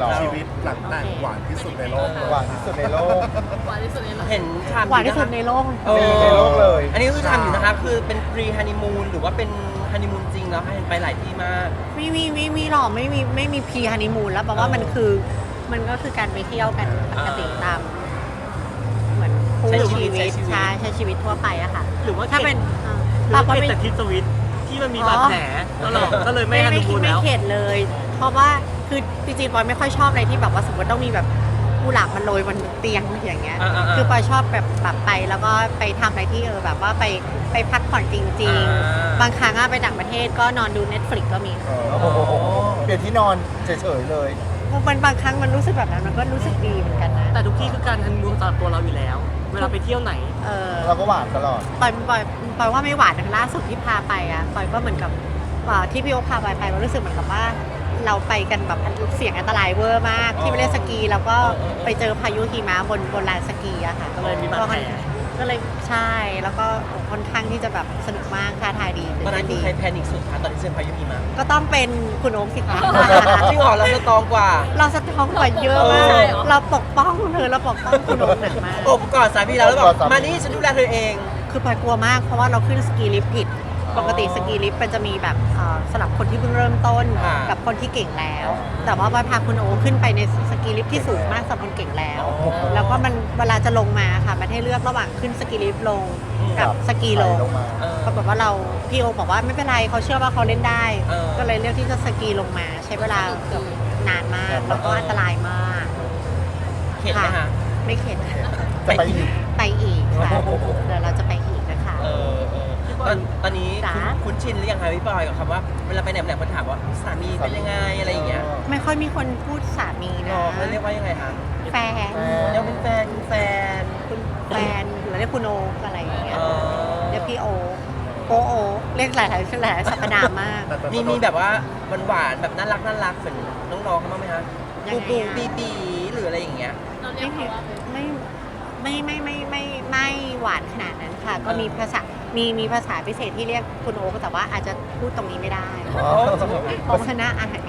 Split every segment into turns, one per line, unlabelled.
ชีวิตหลังแต่งหวานที่สุดในโลก
หวานที่สุดในโลก
หวานที่สุดในโลก
เห็นทำ
หวานที่สุดในโลก
ในโลกเลย
อันนี้คือทำอยู่นะครับคือเป็นพรีฮันนีมูนหรือว่าเป็นฮันนีมูนจริงแล้วให้เห็นไปหลายที่มาก
ไม่หรอกไม่มีพรีฮันนีมูนแล้วแปลว่ามันก็คือการไปเที่ยวกันปกติตามเหมือนคู่ชีวิตใช้ชีวิตทั่วไปอะค่ะ
หรือว่า
ถ้าเป็น
เรา
ก็
เป็น
ไม่
แต่ทิศสวิตที่มันมีบาดแผลตลอดก็เลยไม่ฮันนีมูน
ไม่
แล้ว
เข็ดเลย เพราะว่าคือจริงๆปอยไม่ค่อยชอบอะไรที่แบบว่าสมมติต้องมีแบบกุหลาบมันโรยบนเตียงอย่างเงี้ย คือปอยชอบแบบไปแล้วก็ไปทำอะไรที่แบบว่าไปพักผ่อนจริง ๆ บางครั้งอะไปต่างประเทศก็นอนดู Netflix ก็มี
โอ้โหเปลี่ยนที่นอนเฉยๆเลย
มันบางครั้งมันรู้สึกแบบนั้นมันก็รู้สึกดีเหมือนกันนะ
แต่ทุกที่คือการฮันนีมูนสำหรับตัวเราอยู่แล้ว เวลาไปเที่ยวไหน
เราก็หวานตลอด
ปอยว่าไม่หวานอย่างล่าสุดที่พาไปอะปอยก็เหมือนกับที่พี่โอ๊คพาไปก็รู้สึกเหมือนกับว่า เราไปกันแบบเสี่ยงอันตรายเวอร์มากที่ไปเล่นสกีแล้วก็ไปเจอพายุหิมะบนลานสกีอะค่ะ
ก็เลยมีบาดแผล
ก็เลยใช่แล้วก็ค่อนข้างที่จะแบบสนุกมากท้าทายดี
ตอนนั้นคือใครแพนิคสุดคะตอนที่เจอพายุหิมะ
ก็ต้องเป็นคุณโอ๊คสิคะ
จริงเหรอเราสตรองกว่า
เราสะท้องกว่าเยอะมากเราปกป้องเธอเราปกป้องคุณโอ๊คหนักมาก
อบกอดสามีเราแล้วบอกมานี่ฉันดูแลเธอเอง
คือปอยกลัวมากเพราะว่าเราขึ้นสกีลิฟต์ผิด ปกติสกีลิฟต์มันจะมีแบบสำหรับคนที่เพิ่งเริ่มต้น
อ่า
กับคนที่เก่งแล้ว แต่ว่าปอยพาคุณโอ๊คขึ้นไปในสกีลิฟต์ที่สูงมากสำหรับคนเก่งแล้ว แล้วก็มันเวลาจะลงมาค่ะมันให้เลือกระหว่างขึ้นสกีลิฟต์ลงกับสกีลง
มา
ปรากฏว่าพี่โอบอกว่าไม่เป็นไรเขาเชื่อว่าเขาเล่นได้
เออ
ก็เลยเลือกที่จะสกีลงมาใช้เวลาเกือบนานมากแล้วก็อันตรายมาก
เห็นไหมคะ
ไม่เข็ด
จะไปอีก
ไปอีกค่ะเดี๋ยวเราจะไปอีกนะคะ
ตอนนี้
จ๋า
คุ้นชินหรือยังคะพี่บอยกับคำว่าเวลาไปไหนคนถามว่าสามีเป็นยังไงอะไรอย่างเงี้ย
ไม่ค่อยมีคนพูดสามีนะ
เขาเรียกว่ายังไงคะ
แฟน
เรียกเป็นแฟนคุณแฟน
คุณแฟนหรือเรียกคุณโออะไรอย่างเงี้ย
เออ
เรียกพี่โอเรียกหลายสรรพนามมาก
มีแบบว่าหวานๆแบบน่ารักเหมือนน้องๆเขาบ้างไหมคะ
ยังไง
ปู
อะ
บีหรืออะไรอย่างเงี้ย
เราเรียกเขาว่าเป็น
ไม่หวานขนาดนั้นค่ะ ก็มีภาษามีภาษาพิเศษที่เรียกคุณโอแต่ว่าอาจจะพูดตรงนี้ไม่ได้เพราะว่าหน้าอาย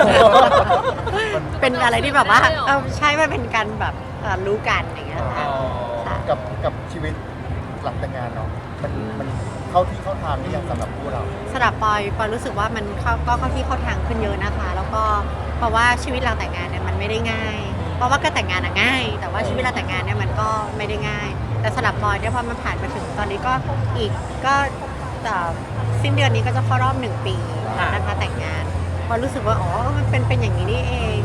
เป็นอะไรที่แบบว่าใช่ว่าเป็นการแบบรู้กันอย่างเงี้ยค่ะค่ะ
กับชีวิตหลังแต่งงานเนาะมันเข้าที่เข้าทางหรือยังสำหรับคู่เรา
สำหรับปอยรู้สึกว่ามันก็เข้าที่เข้าทางขึ้นเยอะนะคะ แล้วก็เพราะว่าชีวิตหลังแต่งงานเนี่ยมันไม่ได้ง่าย เพราะว่าก็แต่งงานอะง่าย แต่ว่าชีวิตหลังแต่งงานเนี่ยมันก็ไม่ได้ง่าย แต่สำหรับปอยเนี่ยพอมันผ่านมาถึงตอนนี้ก็อีกก็สิ้นเดือนนี้ก็จะเข้ารอบ1 ปีนะคะแต่งงานปอยรู้สึกว่าอ๋อมันเป็นอย่างนี้นี่เอง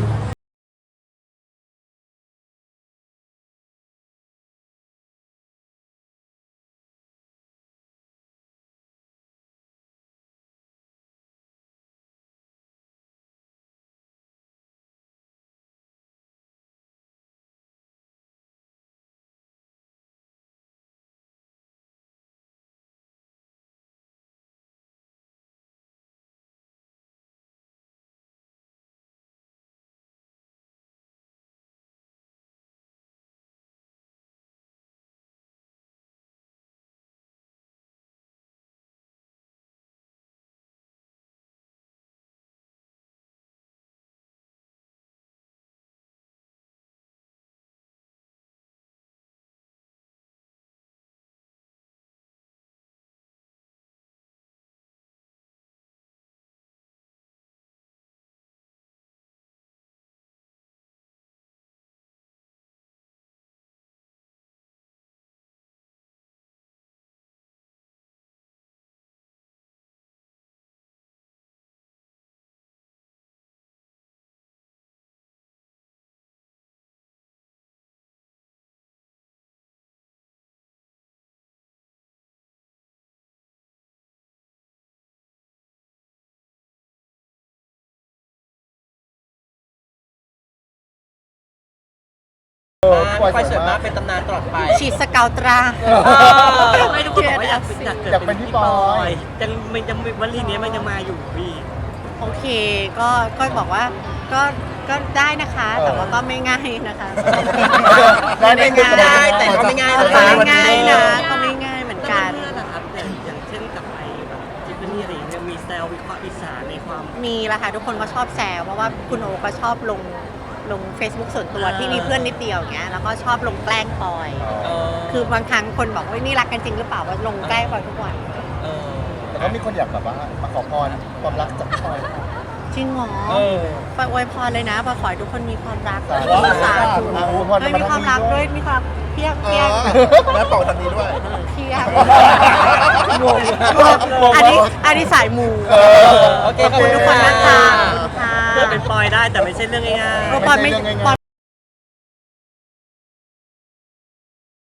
ไฟสวยมากเป็นตำนานตลอดไป
ฉีดสเกาวตรา
ไม่ทุกคนบอกว่าอยากเป็นพี่ปอยยังวลีนี้มันยังมาอยู่พี่
โอเคก็บอกว่าก็ได้นะคะ แต่ว่าก็ไม่ง่ายนะคะ
ไม่ง่ายแต่ก็ไม่ง่าย
ก็
นะคะ
ไม่ง่ายนะก็ไม่ง่ายเหมือนกัน
เพื่อนนะครับอย่างเช่นกับไอ้แบบทิฟฟานี่อะไรอย่างเงี้ยมีแซววิเคราะห์อีสานในความ
มีละค่ะทุกคนก็ชอบแซวเพราะว่าคุณโอก็ชอบลงลง Facebook ส่วนตัวที่มีเพื่อนนิดเดียวอย่างเงี้ยแล้วก็ชอบลงแกล้งปอย
เออ
คือบางครั้งคนบอกว่านี่รักกันจริงหรือเปล่าว่าลงแกล้งปอยทุกวัน
เออ
แต่ก็มีคนอยากแบบว่ามาขอพรความรักจากปอย
จริงเหรอ
เออ
ปอยอวยพรเลยนะปอยขอให้ทุกคนมีความรัก
สาธุ
สาธุ
พร
ไม่มีความรักด้วยมีความเพียง
เอ
เพียง
อแล้วต่อทางนี้ด้วย
เพียง
งง
อันนี้สายมู
โอเค
ขอบคุณทุกคนนะคะขอบคุณค่ะ
เพื่อเป็นปอยได้แต่ไม่ใช่เรื่องง่ายๆ
ปอยไม่ปอย